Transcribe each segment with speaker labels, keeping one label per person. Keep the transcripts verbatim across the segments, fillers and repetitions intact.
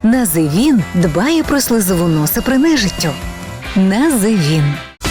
Speaker 1: Називін дбає про слизову носа при нежиттю. Називін.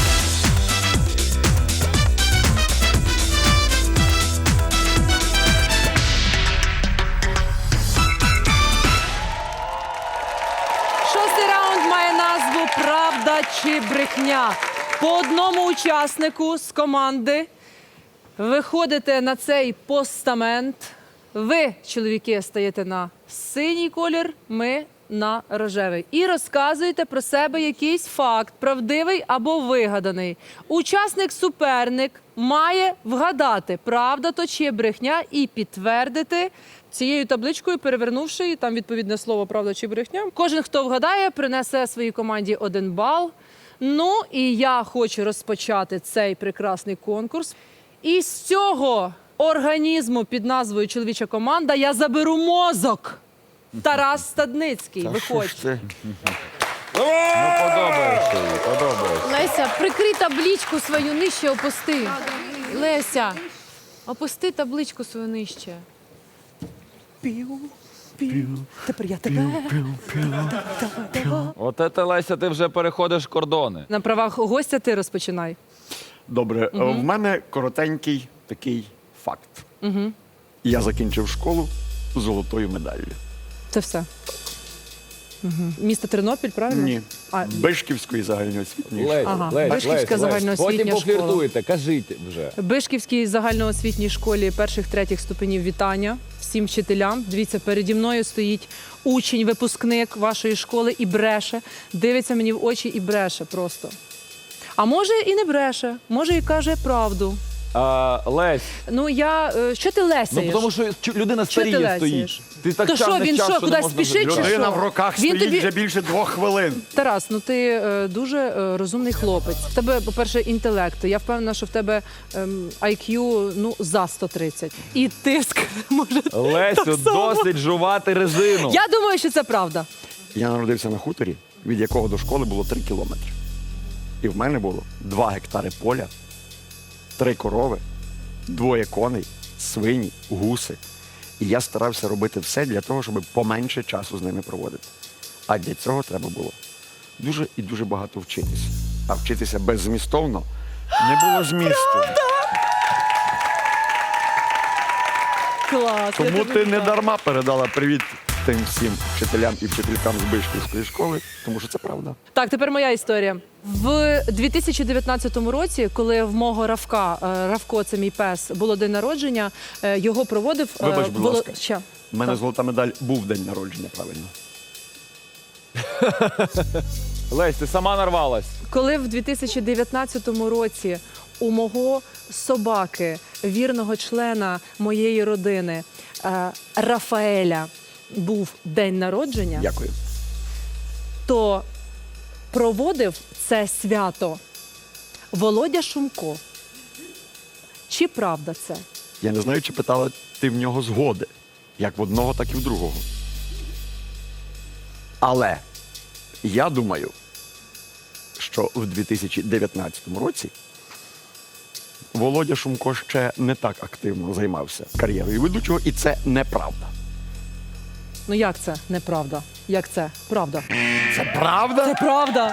Speaker 2: Шостий раунд має назву «Правда чи брехня». По одному учаснику з команди виходите на цей постамент. Ви, чоловіки, стаєте на синій колір, ми на рожевий. І розказуєте про себе якийсь факт, правдивий або вигаданий. Учасник-суперник має вгадати, правда то чи брехня, і підтвердити цією табличкою, перевернувши її, там відповідне слово «правда чи брехня». Кожен, хто вгадає, принесе своїй команді один бал. Ну, і я хочу розпочати цей прекрасний конкурс. І з цього організму під назвою «Чоловіча команда» я заберу мозок. Тарас Стадницький, виходь.
Speaker 3: Ну, подобається їй, подобається.
Speaker 4: Леся, прикрий табличку свою нижче, опусти. Леся, опусти табличку свою нижче.
Speaker 2: Пів, пів, тепер я тебе.
Speaker 3: От це, Леся, ти вже переходиш кордони.
Speaker 2: На правах гостя ти розпочинай.
Speaker 5: Добре, в мене коротенький такий факт. Я закінчив школу з золотою медаллю.
Speaker 2: Це все. Угу. Місто Тернопіль, правильно?
Speaker 5: Ні.
Speaker 2: А,
Speaker 5: Бишківської загальноосвітньої школи.
Speaker 3: Лесь,
Speaker 2: Ага,
Speaker 3: Лесь,
Speaker 2: Вишківська
Speaker 3: Лесь, Лесь.
Speaker 2: загальноосвітня
Speaker 3: Потім
Speaker 2: школа.
Speaker 3: пофліртуєте, кажіть вже.
Speaker 2: Бишківській загальноосвітній школі перших-третіх ступенів вітання всім вчителям. Дивіться, переді мною стоїть учень, випускник вашої школи і бреше. Дивиться мені в очі і бреше просто. А може і не бреше, може і каже правду.
Speaker 3: А, Лесь,
Speaker 2: Ну я... е, Що ти
Speaker 3: ну
Speaker 2: лесяєш?
Speaker 3: тому що чу- людина
Speaker 2: Що ти
Speaker 3: старіє
Speaker 2: лесяєш?
Speaker 3: стоїть. Ти так
Speaker 2: То що,
Speaker 3: тягнеш
Speaker 2: він
Speaker 3: час,
Speaker 2: що,
Speaker 3: не
Speaker 2: кудись
Speaker 3: можна
Speaker 2: спішить,
Speaker 3: вже-
Speaker 2: чи
Speaker 5: Людина
Speaker 2: що?
Speaker 5: в руках
Speaker 2: Він
Speaker 5: стоїть
Speaker 2: тобі-
Speaker 5: вже більше двох хвилин.
Speaker 2: Тарас, ну ти е, дуже е, розумний хлопець. В тебе, по-перше, інтелект. Я впевнена, що в тебе ем, ай к'ю ну, за сто тридцять. І тиск може.
Speaker 3: Лесю,
Speaker 2: так само.
Speaker 3: досить жувати резину.
Speaker 2: Я думаю, що це правда.
Speaker 5: Я народився на хуторі, від якого до школи було три кілометри. І в мене було два гектари поля, три корови, двоє коней, свині, гуси. І я старався робити все для того, щоб поменше часу з ними проводити. А для цього треба було дуже і дуже багато вчитися. А вчитися беззмістовно не було змісту.
Speaker 2: Клас. я
Speaker 5: Тому
Speaker 2: тобі
Speaker 5: ти не
Speaker 2: вітаю.
Speaker 5: дарма передала привіт тим всім вчителям і вчителькам з Бишківської школи, тому що це правда.
Speaker 2: Так, тепер моя історія. В дві тисячі дев'ятнадцятому році, коли в мого Равка, е, Равко, це мій пес, було день народження, е, його проводив... е,
Speaker 5: Вибач, будь
Speaker 2: Воло-
Speaker 5: ласка.
Speaker 2: Що?
Speaker 5: У мене
Speaker 2: Так.
Speaker 5: золота медаль був день народження, правильно.
Speaker 3: Лесь, ти сама нарвалась.
Speaker 2: Коли в дві тисячі дев'ятнадцятому році у мого собаки, вірного члена моєї родини, е, Рафаеля, був день народження,
Speaker 5: Дякую.
Speaker 2: то проводив це свято Володя Шумко. Чи правда це?
Speaker 5: Я не знаю, чи питала ти в нього згоди, як в одного, так і в другого. Але я думаю, що в дві тисячі дев'ятнадцятому році Володя Шумко ще не так активно займався кар'єрою ведучого, і це неправда.
Speaker 2: Ну як це неправда? Як це? Правда.
Speaker 5: Це правда?
Speaker 2: Це правда.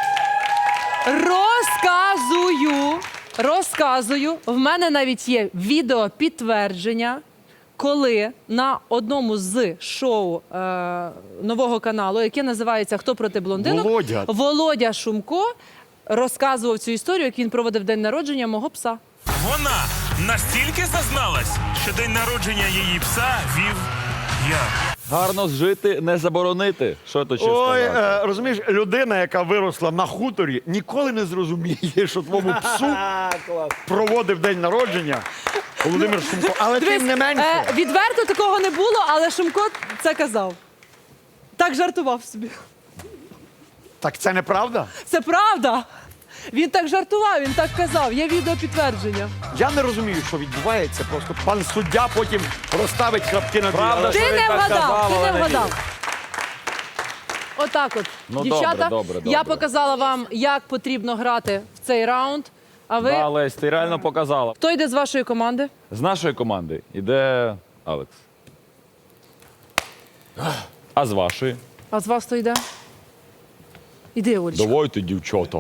Speaker 2: Розказую, розказую. В мене навіть є відео підтвердження, коли на одному з шоу е, нового каналу, яке називається «Хто проти блондинок»,
Speaker 5: Володя.
Speaker 2: Володя Шумко розказував цю історію, як він проводив день народження мого пса.
Speaker 6: Вона настільки зазналась, що день народження її пса вів я.
Speaker 3: Гарно жити, не заборонити. Що то ще
Speaker 5: Ой,
Speaker 3: сказати?
Speaker 5: е, розумієш, людина, яка виросла на хуторі, ніколи не зрозуміє, що твому псу проводив день народження Володимир Шумко. Але
Speaker 2: Дивись,
Speaker 5: тим не менше.
Speaker 2: е, відверто такого не було, але Шумко це казав. Так жартував собі.
Speaker 5: Так це неправда?
Speaker 2: Це правда. Він так жартував, він так казав. Є відео підтвердження.
Speaker 5: Я не розумію, що відбувається. Просто пан суддя потім розставить крапки на
Speaker 3: Правда,
Speaker 5: «і». Але
Speaker 2: Ти
Speaker 3: що він
Speaker 2: не
Speaker 3: так
Speaker 2: вгадав,
Speaker 3: казав,
Speaker 2: ти
Speaker 3: але
Speaker 2: не
Speaker 3: не
Speaker 2: вгадав.
Speaker 3: вірю.
Speaker 2: Отак от,
Speaker 3: Ну,
Speaker 2: дівчата,
Speaker 3: добре, добре,
Speaker 2: я
Speaker 3: добре.
Speaker 2: показала вам, як потрібно грати в цей раунд. А ви,
Speaker 3: Да, Лесь, ти реально показала.
Speaker 2: хто йде з вашої команди?
Speaker 3: З нашої команди йде Алекс. А з вашої?
Speaker 2: А з вас хто йде? Іди, Олечка.
Speaker 3: Давайте, дівчата.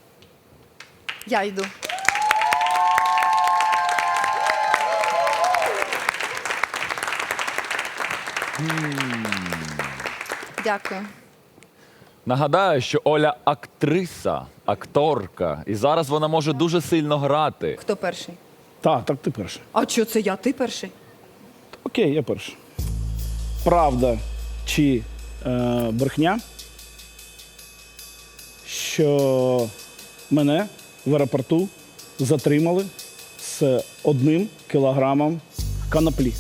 Speaker 7: Я йду. Дякую.
Speaker 3: Нагадаю, що Оля актриса, акторка, і зараз вона може дуже сильно грати.
Speaker 7: Хто перший?
Speaker 8: Так, так ти перший.
Speaker 7: А що це я? Ти перший?
Speaker 8: Окей, я перший. Правда чи е, брехня, що мене в аеропорту затримали з одним кілограмом канаплі.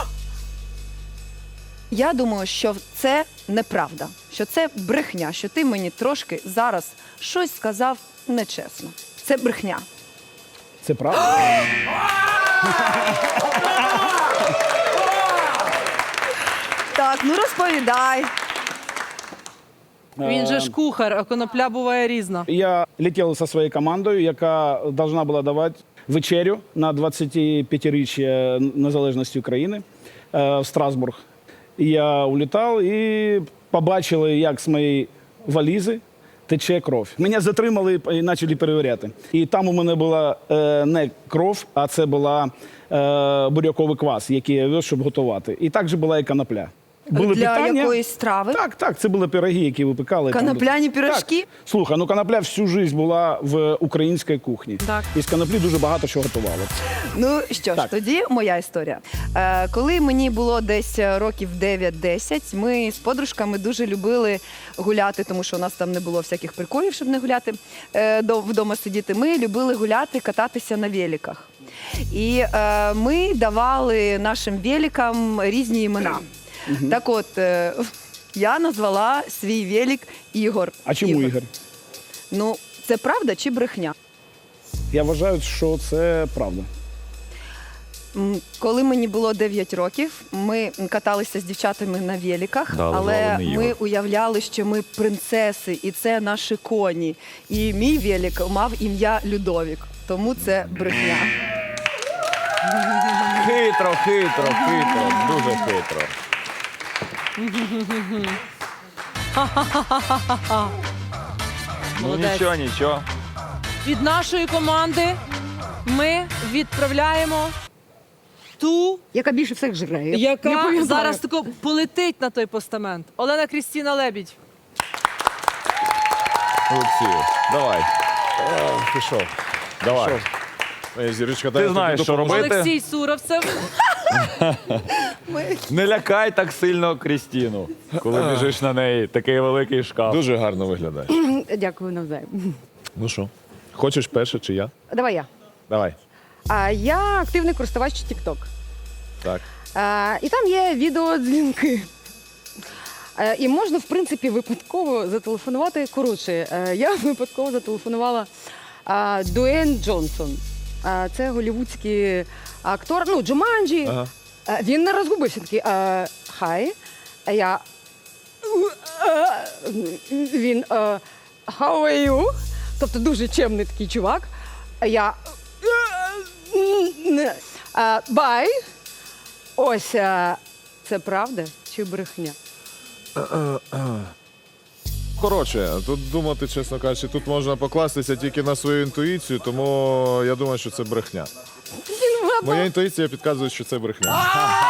Speaker 7: Я думаю, що це неправда, що це брехня, що ти мені трошки зараз щось сказав нечесно. Це брехня.
Speaker 8: Це правда?
Speaker 7: Так, ну розповідай.
Speaker 2: Він же ж кухар, а конопля буває різна.
Speaker 8: Я летів зі своєю командою, яка повинна була давати вечерю на двадцятип'ятиріччя незалежності України е, в Страсбург. І я улітав і побачили, як з моєї валізи тече кров. Мене затримали і почали перевіряти. І там у мене була е, не кров, а це була е, буряковий квас, який я вез, щоб готувати. І також була і конопля. Були
Speaker 7: Для
Speaker 8: питання.
Speaker 7: якоїсь страви?
Speaker 8: Так, так, це були пироги, які випекали. там.
Speaker 7: Конопляні пирожки?
Speaker 8: Так. Слухай, ну конопля всю життя була в українській кухні.
Speaker 2: Так.
Speaker 8: І з коноплі дуже багато чого готували.
Speaker 7: Ну що ж,
Speaker 8: Так.
Speaker 7: тоді моя історія. Е, коли мені було десь років дев'ять-десять, ми з подружками дуже любили гуляти, тому що у нас там не було всяких приколів, щоб не гуляти, е, до- вдома сидіти. Ми любили гуляти, кататися на великах. І е, ми давали нашим великам різні імена. Так от, е, я назвала свій велик Ігор.
Speaker 8: А чому Ігор?
Speaker 7: Ну, це правда чи брехня?
Speaker 8: Я вважаю, що це правда.
Speaker 7: М, Коли мені було дев'ять років, ми каталися з дівчатами на великах,
Speaker 3: Да,
Speaker 7: але
Speaker 3: звали
Speaker 7: ми
Speaker 3: Ігор.
Speaker 7: уявляли, що ми принцеси, і це наші коні. І мій велик мав ім'я Людовік, тому це брехня.
Speaker 3: Хитро, хитро, хитро, дуже хитро. Ну
Speaker 2: Молодець.
Speaker 3: нічого, нічого.
Speaker 2: Від нашої команди ми відправляємо ту,
Speaker 1: Яка більше всіх жре. Я не
Speaker 2: яка
Speaker 1: пам'ятаю.
Speaker 2: зараз тако полетить на той постамент. Олена Крістіна Лебідь.
Speaker 3: Олексію, давай.
Speaker 9: Пішов.
Speaker 3: Давай.
Speaker 9: Моя зірочка,
Speaker 3: Ти знаєш, що робити.
Speaker 2: Олексій Суровцев.
Speaker 3: Не лякай так сильно Крістіну, коли біжиш на неї. Такий великий шкаф.
Speaker 9: Дуже гарно виглядаєш.
Speaker 1: Дякую навзаєм.
Speaker 9: Ну що, хочеш перше чи я?
Speaker 1: Давай я.
Speaker 9: Давай.
Speaker 1: А я активний користувач TikTok.
Speaker 9: Так.
Speaker 1: А, і там є відеодзвінки. А, і можна, в принципі, випадково зателефонувати. Коротше, е, я випадково зателефонувала а, Дуейн Джонсон. А, це голівудський актор, ну, Джуманджі.
Speaker 9: Ага.
Speaker 1: А, він не розгубився такий. а, Хай. А я. Він. а, How are you? Тобто дуже чемний такий чувак. А я. А, Бай. Ось, а, це правда чи брехня?
Speaker 9: Коротше, тут думати, чесно кажучи, тут можна покластися тільки на свою інтуїцію, тому я думаю, що це брехня. Моя інтуїція підказує, що це брехня.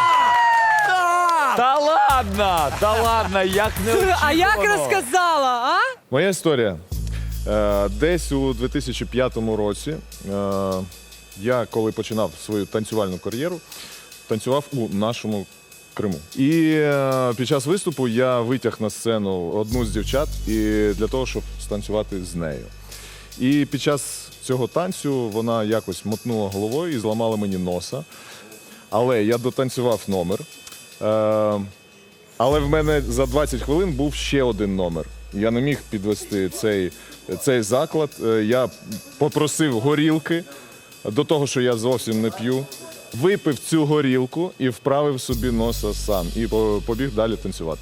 Speaker 3: Та ладно, та ладно, як не
Speaker 2: А як розказала, а?
Speaker 9: Моя історія. Е, Десь у дві тисячі п'ятому році е, я, коли починав свою танцювальну кар'єру, танцював у нашому Криму. І е, під час виступу я витяг на сцену одну з дівчат і для того, щоб станцювати з нею. І під час цього танцю вона якось мотнула головою і зламала мені носа. Але я дотанцював номер. Е, але в мене за двадцять хвилин був ще один номер. Я не міг підвести цей, цей заклад. Е, Я попросив горілки до того, що я зовсім не п'ю. Випив цю горілку і вправив собі носа сам. І по- побіг далі танцювати.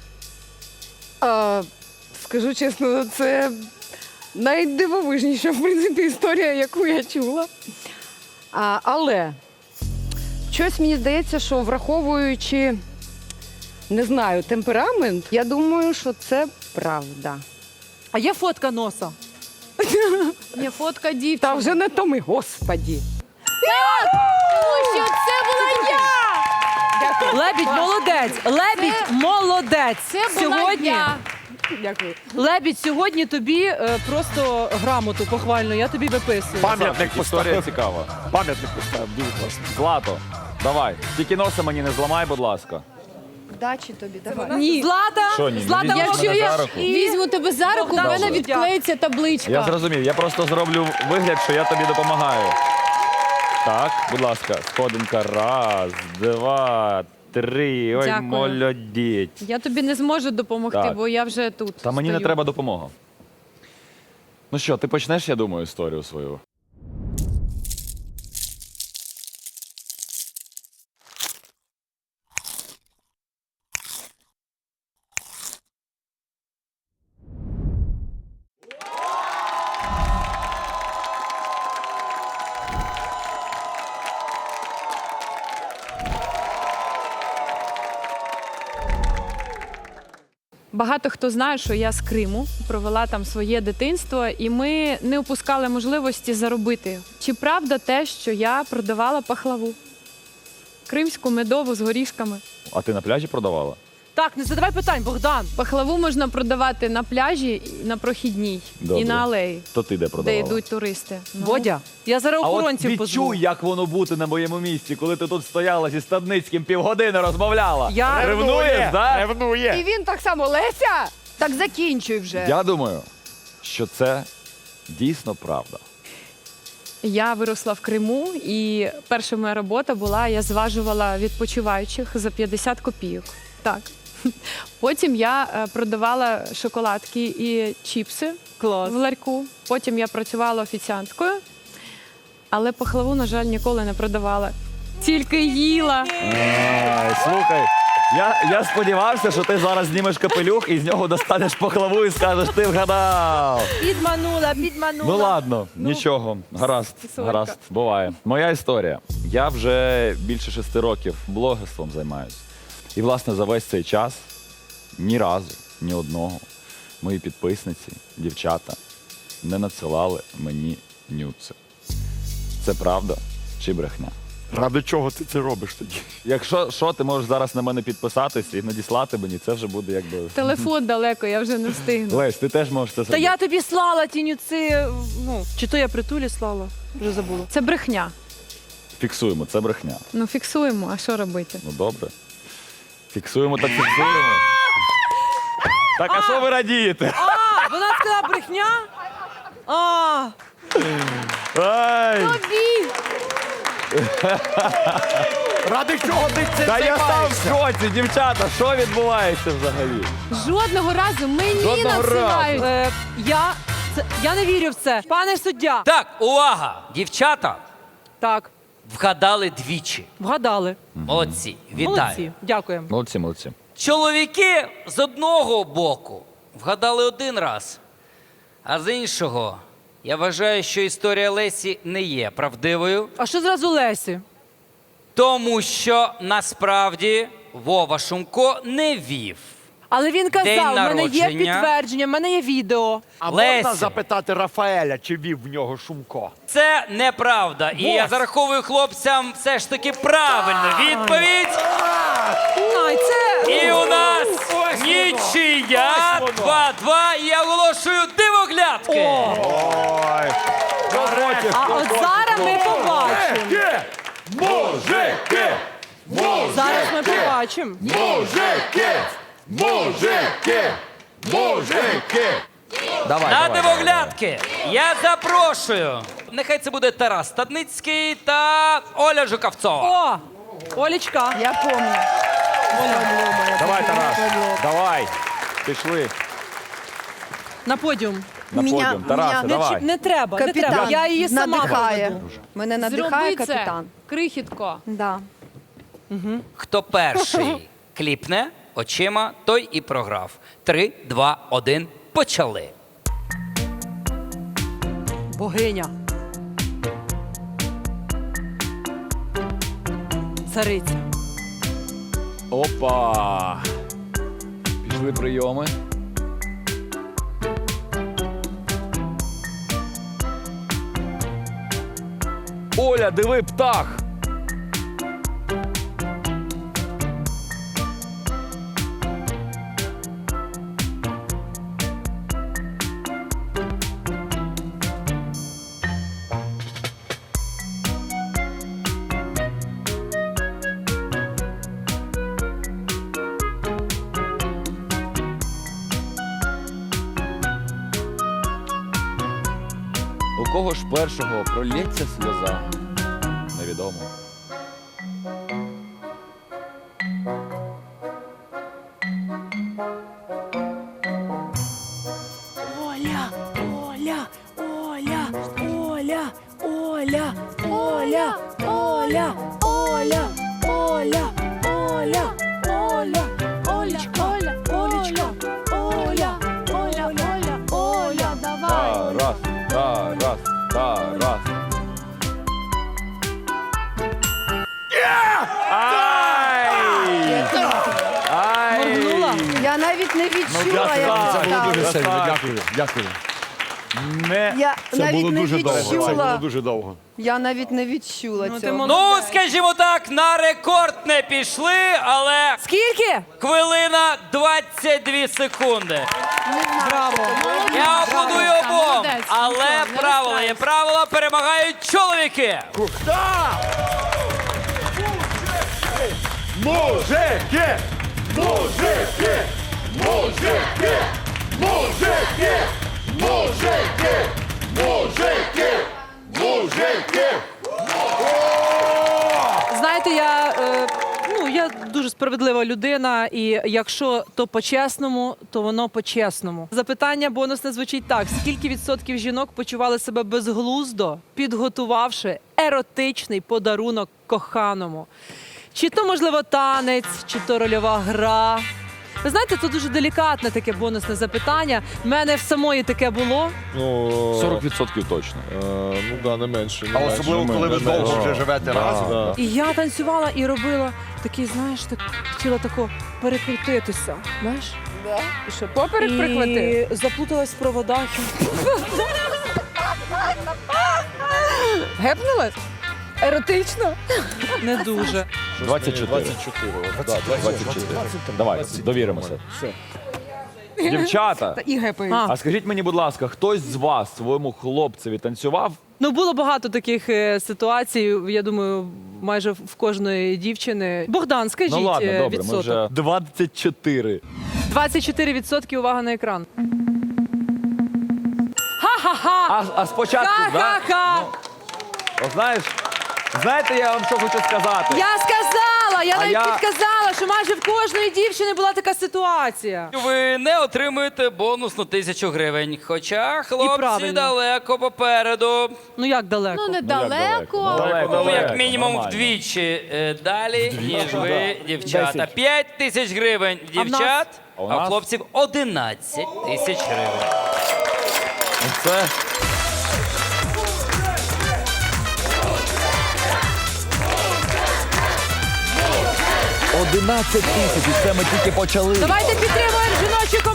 Speaker 1: А, скажу чесно, це найдивовижніша, в принципі, історія, яку я чула. А, але щось мені здається, що враховуючи не знаю, темперамент, я думаю, що це правда.
Speaker 2: А є фотка носа.
Speaker 4: Є фотка
Speaker 1: Та
Speaker 4: дівчини.
Speaker 1: вже не то ми, господі.
Speaker 4: Тому що це була я!
Speaker 2: Лебідь молодець. Лебідь молодець.
Speaker 4: Це була
Speaker 2: Сьогодні
Speaker 4: я.
Speaker 1: Дякую.
Speaker 2: Лебідь, сьогодні тобі е, просто грамоту похвальну, я тобі виписую.
Speaker 5: Пам'ятник
Speaker 3: Історія
Speaker 5: поставив.
Speaker 3: цікава.
Speaker 5: Пам'ятник поставив, дуже класно.
Speaker 3: Злато, давай. Тільки носа мені не зламай, будь ласка.
Speaker 7: Вдачі тобі, давай.
Speaker 2: Ні. Злата,
Speaker 3: Що ні? Не
Speaker 2: Злата,
Speaker 3: візьмеш
Speaker 2: якщо
Speaker 3: мене
Speaker 2: я
Speaker 3: за руку?
Speaker 4: Візьму тебе за руку, в
Speaker 2: Богдан
Speaker 4: мене
Speaker 2: суддя.
Speaker 4: відклеїться табличка.
Speaker 3: Я зрозумів, я просто зроблю вигляд, що я тобі допомагаю. Так, будь ласка, сходинка. Раз, два, три. Ой,
Speaker 4: Дякую.
Speaker 3: молодець.
Speaker 4: Я тобі не зможу допомогти,
Speaker 3: Так.
Speaker 4: бо я вже тут.
Speaker 3: Та мені не
Speaker 4: стою.
Speaker 3: треба допомога. Ну що, ти почнеш, я думаю, історію свою.
Speaker 4: Багато хто знає, що я з Криму, провела там своє дитинство, і ми не опускали можливості заробити. Чи правда те, що я продавала пахлаву? Кримську медову з горішками.
Speaker 3: А ти на пляжі продавала?
Speaker 2: Так, не задавай питань, Богдан.
Speaker 4: Пахлаву можна продавати на пляжі, на прохідній
Speaker 3: Добре.
Speaker 4: і на алеї,
Speaker 3: То ти де
Speaker 4: де
Speaker 3: продавала?
Speaker 4: йдуть туристи. Ну,
Speaker 2: Бодя, я зараз
Speaker 3: А от
Speaker 2: охоронців позву.
Speaker 3: відчуй, як воно бути на моєму місці, коли ти тут стояла зі Стадницьким півгодини розмовляла.
Speaker 2: Я-
Speaker 3: Ревнуєш, так?
Speaker 1: І
Speaker 5: Ревнує.
Speaker 1: він так само, Леся!
Speaker 7: Так закінчуй вже.
Speaker 3: Я думаю, що це дійсно правда.
Speaker 4: Я виросла в Криму, і перша моя робота була, я зважувала відпочиваючих за п'ятдесят копійок. Так. Потім я е, продавала шоколадки і чіпси
Speaker 2: Клас.
Speaker 4: в ларьку. Потім я працювала офіціанткою, але пахлаву, на жаль, ніколи не продавала. Тільки їла.
Speaker 3: Ай, слухай, я, я сподівався, що ти зараз знімеш капелюх і з нього достанеш пахлаву і скажеш, ти вгадав.
Speaker 2: Підманула, підманула.
Speaker 3: Ну ладно, нічого, гаразд,
Speaker 4: сорка.
Speaker 3: гаразд, буває. Моя історія. Я вже більше шести років блогерством займаюся. І, власне, за весь цей час ні разу, ні одного мої підписниці, дівчата, не надсилали мені нюци. Це правда чи брехня?
Speaker 5: Ради чого ти це робиш тоді?
Speaker 3: Якщо що, ти можеш зараз на мене підписатись і надіслати мені, це вже буде якби.
Speaker 4: Телефон далеко, я вже не встигну.
Speaker 3: Лесь, ти теж можеш це
Speaker 2: Та
Speaker 3: зробити.
Speaker 2: я тобі слала ті нюци, ну, чи то я притулі слала, вже забула.
Speaker 4: Це брехня.
Speaker 3: Фіксуємо, це брехня.
Speaker 4: Ну фіксуємо, а що робити?
Speaker 3: Ну добре. Фіксуємо, так фіксуємо. Так, а що ви радієте?
Speaker 2: А, вона сказала брехня? А,
Speaker 3: Ай!
Speaker 5: Ради чого ти це
Speaker 3: Та я став в
Speaker 5: займаєшся?
Speaker 3: шоці, дівчата, що відбувається взагалі?
Speaker 4: Жодного разу мені
Speaker 3: Жодного
Speaker 4: надсилають.
Speaker 2: е, я, це, я не вірю в це. Пане суддя.
Speaker 10: Так, увага! Дівчата
Speaker 2: Так,
Speaker 10: вгадали двічі.
Speaker 2: вгадали.
Speaker 10: Молодці, вітаю.
Speaker 2: Молодці, дякуємо.
Speaker 3: Молодці, молодці.
Speaker 10: Чоловіки з одного боку вгадали один раз, а з іншого я вважаю, що історія Лесі не є правдивою,
Speaker 2: А що зразу Лесі?
Speaker 10: тому що насправді Вова Шумко не вів.
Speaker 2: Але він
Speaker 10: День
Speaker 2: казав, в мене є
Speaker 10: народження.
Speaker 2: підтвердження, в мене є відео.
Speaker 5: А
Speaker 10: Леся.
Speaker 5: можна запитати Рафаеля, чи вів в нього Шумко?
Speaker 10: Це неправда. І я зараховую хлопцям все ж таки правильну відповідь.
Speaker 2: Ай, це...
Speaker 10: І у нас нічия два-два. І я оголошую дивоглядки.
Speaker 5: Ой.
Speaker 2: А от зараз ми побачимо.
Speaker 5: Мужики!
Speaker 2: Зараз ми побачимо.
Speaker 5: Мужики! Мужики! Мужики!
Speaker 3: Давай,
Speaker 10: На
Speaker 3: давай,
Speaker 10: дивоглядки я запрошую. Нехай це буде Тарас Стадницький та Оля Жуковцова.
Speaker 2: О, Олечка.
Speaker 7: Я пам'ятаю.
Speaker 3: Давай, Тарас, давай. Пішли
Speaker 2: На подіум.
Speaker 3: на
Speaker 7: Меня-
Speaker 3: подіум. Тарасе,
Speaker 7: меня-
Speaker 2: Не,
Speaker 3: давай.
Speaker 2: чіп- не треба, не
Speaker 7: Капітан
Speaker 2: треба. Я її сама
Speaker 7: надихає.
Speaker 2: проведу.
Speaker 7: Мене надихає
Speaker 4: Зроби це,
Speaker 7: капітан.
Speaker 4: крихітко.
Speaker 7: Да.
Speaker 10: Хто перший кліпне очима, той і програв. Три, два, один, почали.
Speaker 2: Богиня. Цариця.
Speaker 3: Опа! Пішли прийоми. Оля, диви, птах! У кого ж першого пролється сльоза? Невідомо.
Speaker 2: Оля, Оля, Оля, Оля, Оля, Оля, Оля, Оля, Оля, Оля, Оля, Олечка, Оля, Олечка, Оля, Оля, Оля, Оля, давай.
Speaker 3: Тарас, Тарас, Тарас. Ай! Ай!
Speaker 2: Моргнула?
Speaker 7: Я навіть не відчула, як
Speaker 3: красавчик.
Speaker 7: це сталося.
Speaker 3: Красавчик.
Speaker 5: Дякую, дякую.
Speaker 3: Не.
Speaker 7: Я навіть не
Speaker 5: Це було
Speaker 7: відчула.
Speaker 5: дуже довго.
Speaker 7: Я навіть не відчула
Speaker 2: Ну, ти
Speaker 7: цього.
Speaker 2: молодець.
Speaker 10: Ну, скажімо так, на рекорд не пішли, але
Speaker 2: Скільки?
Speaker 10: хвилина двадцять дві секунди.
Speaker 2: Браво.
Speaker 10: Я аплодую обом,
Speaker 4: молодець.
Speaker 10: але
Speaker 4: Нічого, не
Speaker 10: правила є правила, перемагають чоловіки.
Speaker 5: Мужики! Мужики! Мужики! Мужики! Мужики! Мужики! Мужики!
Speaker 2: Знаєте, я, е, ну, я дуже справедлива людина, і якщо то по-чесному, то воно по-чесному. Запитання бонусне звучить так: скільки відсотків жінок почували себе безглуздо, підготувавши еротичний подарунок коханому? Чи то, можливо, танець, чи то рольова гра? Ви знаєте, це дуже делікатне таке бонусне запитання. В мене в самої таке було.
Speaker 9: Ну,
Speaker 3: сорок відсотків точно.
Speaker 9: Е, ну да, не менше. Не
Speaker 5: А
Speaker 9: менше.
Speaker 5: особливо, коли ви
Speaker 9: Не
Speaker 5: довго
Speaker 9: менше.
Speaker 5: вже живете
Speaker 9: Да,
Speaker 5: разом.
Speaker 9: да.
Speaker 2: І я танцювала і робила такий, знаєш, так хотіла тако перекрутитися. Знаєш?
Speaker 1: І що, поперек прихватив?
Speaker 2: І заплуталась в проводах.
Speaker 1: Гепнулась? Еротично?
Speaker 2: Не дуже.
Speaker 3: двадцять чотири.
Speaker 9: двадцять чотири. от, да,
Speaker 3: двадцять чотири. Давай, довіримося. Дівчата,
Speaker 1: Та і гепають.
Speaker 2: А.
Speaker 3: а скажіть мені, будь ласка, хтось з вас своєму хлопцеві танцював?
Speaker 2: Ну, було багато таких е, ситуацій, я думаю, майже в кожної дівчини. Богдан, скажіть
Speaker 3: Ну ладно,
Speaker 2: е,
Speaker 3: добре, ми
Speaker 2: відсоток.
Speaker 3: вже двадцять чотири.
Speaker 2: двадцять чотири відсотки, увага на екран. Ха-ха-ха!
Speaker 3: А, а спочатку, да?
Speaker 2: Ха-ха-ха!
Speaker 3: От знаєш, знаєте, я вам що хочу сказати?
Speaker 2: Я сказала, я
Speaker 3: А
Speaker 2: навіть
Speaker 3: я-
Speaker 2: підказала, що майже в кожної дівчини була така ситуація.
Speaker 10: Ви не отримуєте бонусну тисячу гривень. Хоча хлопці
Speaker 2: правильно.
Speaker 10: далеко попереду.
Speaker 2: Ну як далеко?
Speaker 4: Ну,
Speaker 3: Далеко.
Speaker 4: недалеко.
Speaker 3: Далеко,
Speaker 10: Ну, як
Speaker 3: далеко,
Speaker 10: мінімум
Speaker 3: нормально.
Speaker 10: вдвічі е, далі, ніж ви, дівчата.
Speaker 3: Десять.
Speaker 10: п'ять тисяч гривень
Speaker 2: А в нас?
Speaker 10: дівчат,
Speaker 3: А у
Speaker 10: а в
Speaker 3: нас?
Speaker 10: хлопців одинадцять тисяч гривень.
Speaker 3: Це одинадцять тисяч, і це ми тільки почали.
Speaker 2: Давайте підтримуємо жіночу